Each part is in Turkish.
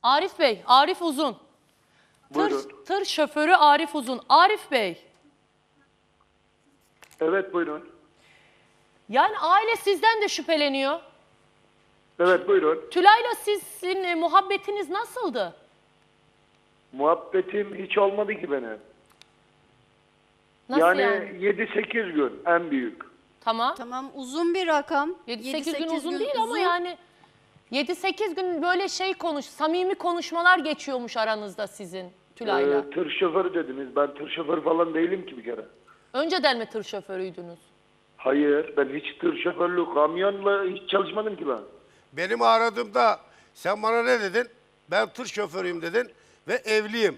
Arif Bey, Arif Uzun. Buyurun. Tır şoförü Arif Uzun. Arif Bey, Evet buyurun. yani aile sizden de şüpheleniyor. Evet buyurun. Tülay'la sizin muhabbetiniz nasıldı? Muhabbetim hiç olmadı ki benim. Nasıl yani yani? 7-8 gün en büyük. Tamam. Tamam, uzun bir rakam. 7-8 gün uzun değil ama yani 7-8 gün böyle samimi konuşmalar geçiyormuş aranızda sizin Tülay'la. Tır şoförü dediniz. Ben tır şoförü falan değilim ki bir kere. Önceden mi tır şoförüydünüz? Hayır, ben hiç tır şoförlüğü, kamyonla hiç çalışmadım ki ben. Benim aradığımda sen bana ne dedin? Ben tır şoförüyüm dedin ve evliyim.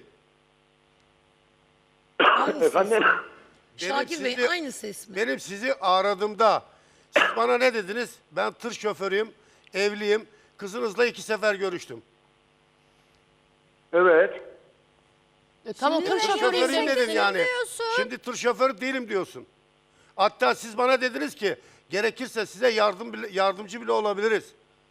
Efendim? Şakir Bey sizi- aynı ses mi? Benim sizi aradığımda siz bana ne dediniz? Ben tır şoförüyüm, evliyim. Kızınızla 2 sefer görüştüm. Evet. Tamam Şimdi tır de şoförüyüm Şoförüyüm dedin demişsiniz. yani. diyorsun. Şimdi tır şoförü değilim diyorsun. Hatta siz bana dediniz ki gerekirse size yardımcı bile olabiliriz.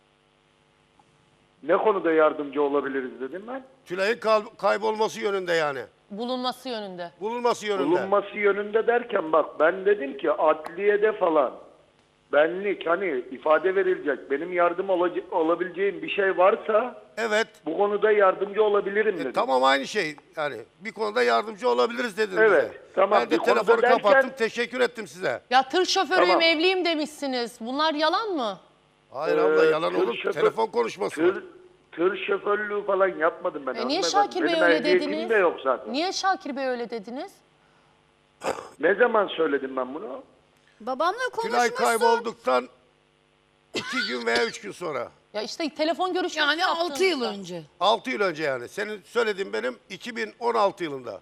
Ne konuda yardımcı olabiliriz dedim ben. Tülay'ın kaybolması yönünde yani. Bulunması yönünde. Bulunması yönünde. Bulunması yönünde derken bak ben dedim ki adliyede falan benlik hani ifade verilecek benim yardım olabileceğim bir şey varsa Evet. bu konuda yardımcı olabilirim dedim. Tamam aynı şey. Yani bir konuda yardımcı olabiliriz dediniz Evet, bize. tamam. Ben de Bir konuda telefonu derken- kapattım. Teşekkür ettim size. Ya tır şoförüyüm, Tamam. evliyim demişsiniz. Bunlar yalan mı? Hayır abla yalan tır olur. şoför- Telefon konuşması var. Tır şoförlüğü falan yapmadım ben. Niye hanımefendi. Şakir Bey Benim öyle ehliyetim dediniz? de yok zaten. Niye Şakir Bey öyle dediniz? Ne zaman söyledim ben bunu? Babamla Tülay konuşmuşsun. kaybolduktan 2 gün veya 3 gün sonra. Ya işte telefon görüşmesi Yani 6 yıl yaptığınızda. önce. 6 yıl önce yani. Senin söylediğin benim 2016 yılında.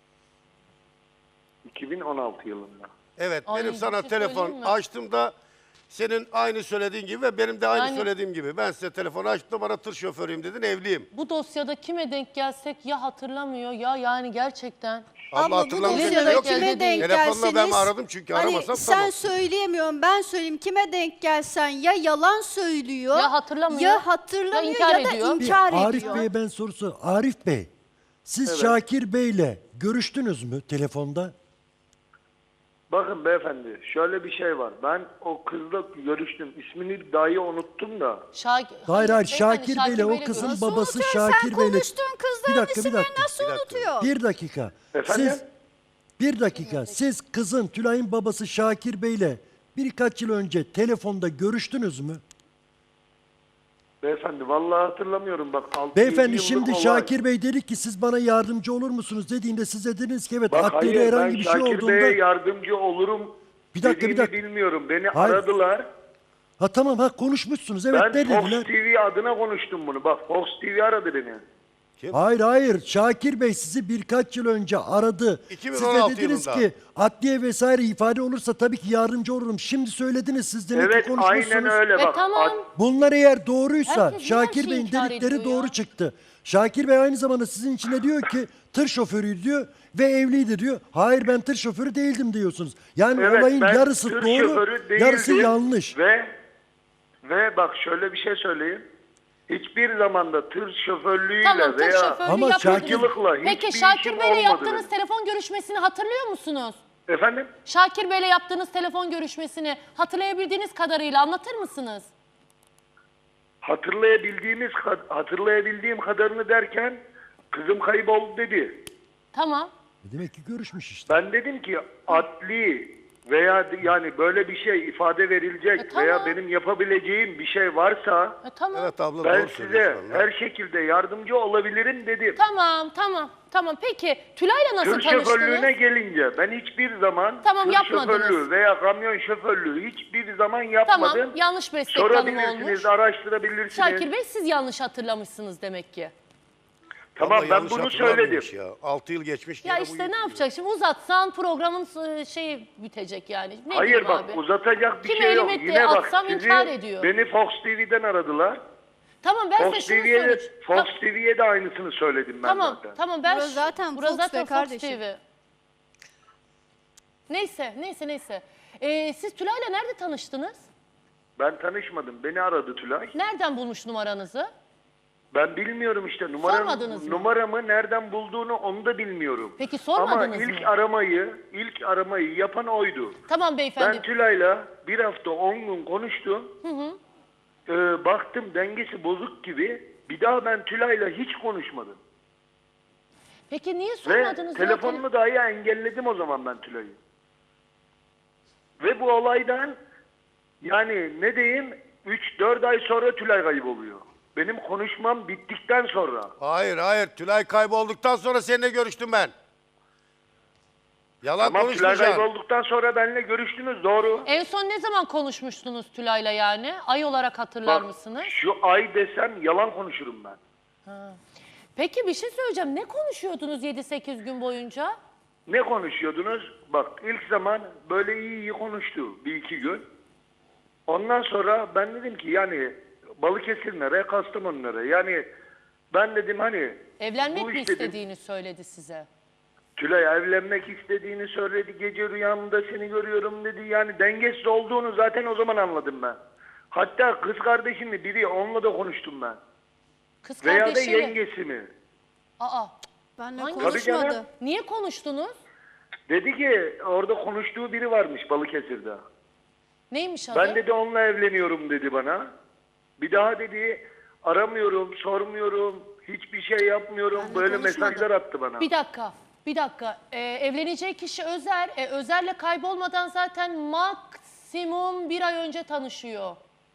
2016 yılında. Evet Ay, benim bir sana şey telefon söyleyeyim mi? açtığımda senin aynı söylediğin gibi ve benim de aynı Yani- söylediğim gibi. Ben size telefonu açtığımda bana tır şoförüyüm dedin, evliyim. Bu dosyada kime denk gelsek ya hatırlamıyor ya yani gerçekten. Abla bu hatırlamayacak dosyada şey yok kime ki. denk Telefonla ben gelseniz, aradım çünkü hani aramasam sen tamam. söyleyemiyorum, ben söyleyeyim. Kime denk gelsen ya yalan söylüyor, Ya hatırlamıyor, ya hatırlamıyor ya inkar ya da ediyor. inkar Arif ediyor. Bey'e ben sorusu. Arif Bey, siz Şakir Bey'le görüştünüz mü telefonda? Bakın beyefendi şöyle bir şey var. Ben o kızla görüştüm. İsmini dahi unuttum da. Hayır hayır, beyefendi, Şakir Bey'le o Bey'le kızın Nasıl babası unutuyor? Şakir Sen Bey'le... konuştuğun kızların Bir isimlerini dakika. nasıl unutuyor? Bir dakika. Efendim? Bir dakika. Siz kızın Tülay'ın babası Şakir Bey'le birkaç yıl önce telefonda görüştünüz mü? Beyefendi vallahi hatırlamıyorum bak. 6-7 Beyefendi yıllık şimdi olay. Şakir Bey dedi ki siz bana yardımcı olur musunuz dediğinde siz dediniz ki evet Bak adliyede hayır ben herhangi bir şey Şakir olduğunda... Bey'e yardımcı olurum Bir dakika, bir dediğimi dakika. bilmiyorum. Beni Hayır. aradılar. Ha tamam konuşmuşsunuz evet Ben ne Fox dediler? TV adına konuştum bunu. Bak Fox TV aradı beni. Hayır. Şakir Bey sizi birkaç yıl önce aradı. Siz 2016 de dediniz yılında. ki adliye vesaire ifade olursa tabii ki yardımcı olurum. Şimdi söylediniz siz demek Evet ki konuşmuşsunuz. aynen öyle bak. tamam. Bunlar eğer doğruysa Herkes niye her Şakir şeyi Bey'in inkar dedikleri ediyor doğru ya? çıktı. Şakir Bey aynı zamanda sizin içine diyor ki tır şoförüydü diyor ve evliydi diyor. Hayır ben tır şoförü değildim diyorsunuz. Yani Evet, olayın ben yarısı tır doğru, şoförü yarısı değildim. yanlış. Ve bak şöyle bir şey söyleyeyim. Hiçbir zamanda tır şoförlüğüyle Tamam tır veya şoförü Ama yapmadınız. Şakir'lıkla Peki hiçbir Şakir işim Bey'le olmadı yaptığınız benim. telefon görüşmesini hatırlıyor musunuz? Efendim? Şakir Bey'le yaptığınız telefon görüşmesini hatırlayabildiğiniz kadarıyla anlatır mısınız? Hatırlayabildiğim kadarını derken kızım kayboldu dedi. Tamam. Demek ki görüşmüş işte. Ben dedim ki adli veya yani böyle bir şey ifade verilecek tamam. veya benim yapabileceğim bir şey varsa Tamam. Evet abla ben doğru size söylüyorsun. her şekilde yardımcı olabilirim dedim. Tamam. Peki Tülay'la nasıl Tır şoförlüğüne tanıştınız? gelince ben hiçbir zaman Tamam, tır yapmadınız. şoförlüğü veya kamyon şoförlüğü hiçbir zaman yapmadım. Tamam, yanlış meslek tanımı Sorabilirsiniz, olmuş. araştırabilirsiniz. Şakir Bey siz yanlış hatırlamışsınız demek ki. Tamam Abla ben yanlış bunu hatırlamıyormuş söyledim. Ya. 6 yıl geçmiş. Ya gene bu işte ne yürüyor. yapacak şimdi uzatsan programın şeyi bitecek yani. Ne Hayır diyeyim bak abi? uzatacak bir Kim şey yok. elime Yine bak atsam sizi inkar ediyor. beni Fox TV'den aradılar. Tamam ben size Fox şunu TV'ye söyleyeceğim. Fox TV'ye de aynısını söyledim ben zaten. Tamam ben Burası zaten burası Fox zaten be Fox kardeşim. TV. Neyse. Siz Tülay'la nerede tanıştınız? Ben tanışmadım. Beni aradı Tülay. Nereden bulmuş numaranızı? Ben bilmiyorum işte Sormadınız mı? numaramı nereden bulduğunu onu da bilmiyorum. Peki sormadınız Ama ilk mı? ilk aramayı yapan oydu. Tamam beyefendi. Ben Tülay'la bir hafta 10 gün konuştum. Baktım dengesi bozuk gibi. Bir daha ben Tülay'la hiç konuşmadım. Peki niye Ve sormadınız? ya? telefonumu dahi engelledim o zaman ben Tülay'ı. Ve bu olaydan yani ne diyeyim 3-4 ay sonra Tülay kayboluyor. Benim konuşmam bittikten sonra. Hayır. Tülay kaybolduktan sonra seninle görüştüm ben. Yalan Tamam, Tülay konuşmayacaksın. kaybolduktan sonra benimle görüştünüz, doğru. En son ne zaman konuşmuştunuz Tülay'la yani? Ay olarak hatırlar Bak, mısınız? şu ay desem yalan konuşurum ben. Peki bir şey söyleyeceğim. Ne konuşuyordunuz 7-8 gün boyunca? Ne konuşuyordunuz? Bak ilk zaman böyle iyi konuştu bir iki gün. Ondan sonra ben dedim ki yani Balıkesirlere, Kastamonu'lara yani ben dedim hani Evlenmek bu mi iş dedim, istediğini söyledi size. Tülay evlenmek istediğini söyledi. Gece rüyamda seni görüyorum dedi. Yani dengesiz olduğunu zaten o zaman anladım ben. Hatta kız kardeşimle biri onunla da konuştum ben. Kız Veya da kardeşiyle. yengesi mi? Aa, Benle Hangi- Tabii canım. konuşmadı. niye konuştunuz? Dedi ki orada konuştuğu biri varmış Balıkesir'de. Neymiş adı? Ben dedi onunla evleniyorum dedi bana. Bir daha dedi aramıyorum, sormuyorum, hiçbir şey yapmıyorum. Benle Böyle konuşmadı. mesajlar attı bana. Bir dakika. Evleneceği kişi Özer. Özer'le kaybolmadan zaten maksimum bir ay önce tanışıyor.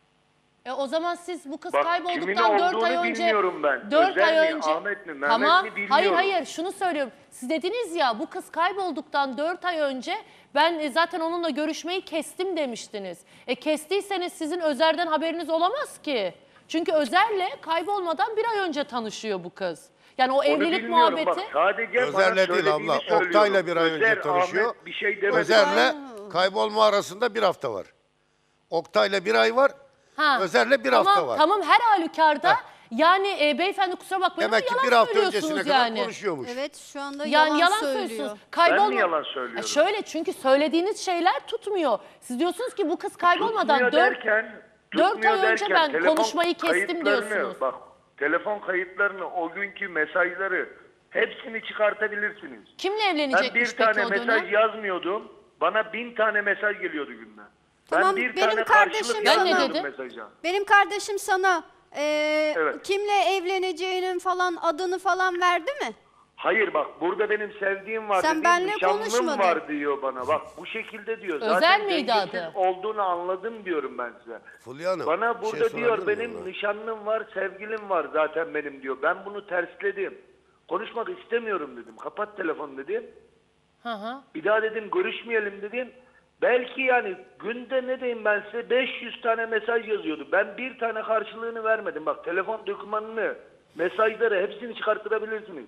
O zaman siz bu kız Bak, kimin kaybolduktan 4 ay olduğunu önce... bilmiyorum ben. 4 Özer ay mi, önce... Ahmet mi, Mehmet tamam. mi bilmiyorum. Hayır şunu söylüyorum. Siz dediniz ya bu kız kaybolduktan 4 ay önce ben zaten onunla görüşmeyi kestim demiştiniz. Kestiyseniz sizin Özer'den haberiniz olamaz ki. Çünkü Özer'le kaybolmadan bir ay önce tanışıyor bu kız. Yani o Onu evlilik bilmiyorum. muhabbeti... Bak, sadece bana Özer'le değil söylediğini abla. söylüyorum. Oktay'la bir ay önce Özer, tanışıyor. Ahmet bir şey demedi. Özer'le kaybolma arasında bir hafta var. Oktay'la bir ay var. Ha. Özer'le bir hafta var. Tamam her halükarda yani beyefendi kusura bakmayın Demek ki ama bir yalan hafta öncesine söylüyorsunuz kadar yani. konuşuyormuş. Evet şu anda Yani yalan söylüyor. söylüyorsunuz. Ben mi yalan söylüyorum? Şöyle çünkü söylediğiniz şeyler tutmuyor. Siz diyorsunuz ki bu kız kaybolmadan Tutmuyor 4 derken, 4 ay önce ben telefon konuşmayı kestim kayıtlarını, diyorsunuz. Bak telefon kayıtlarını, o günkü mesajları hepsini çıkartabilirsiniz. Kimle Ben evlenecekmiş bir peki tane o mesaj dönem? yazmıyordum. Bana 1000 tane mesaj geliyordu günde. Tamam, ben bir benim tane kardeşim karşılık Ben ne yazmıyordum dedim? mesaja. Benim kardeşim sana Evet. kimle evleneceğinin falan adını falan verdi mi? Hayır bak burada benim sevdiğim var Sen dediğim benle nişanlım konuşmadın. var diyor bana. Bak bu şekilde diyor. Özel Zaten miydi dengesiz adı? olduğunu anladım diyorum ben size. Fulya Hanım, Bana bir şey burada diyor sorabilir miyim benim ona? nişanlım var, sevgilim var zaten benim diyor. Ben bunu tersledim. Konuşmak istemiyorum dedim. Kapat telefonu dedim. Hı. Bir daha dedim görüşmeyelim dedim. Belki yani günde ne diyeyim ben size 500 tane mesaj yazıyordu. Ben bir tane karşılığını vermedim. Bak telefon dokümanını, mesajları hepsini çıkarttırabilirsiniz.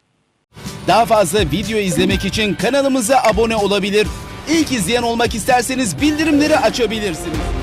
Daha fazla video izlemek için kanalımıza abone olabilir. İlk izleyen olmak isterseniz bildirimleri açabilirsiniz.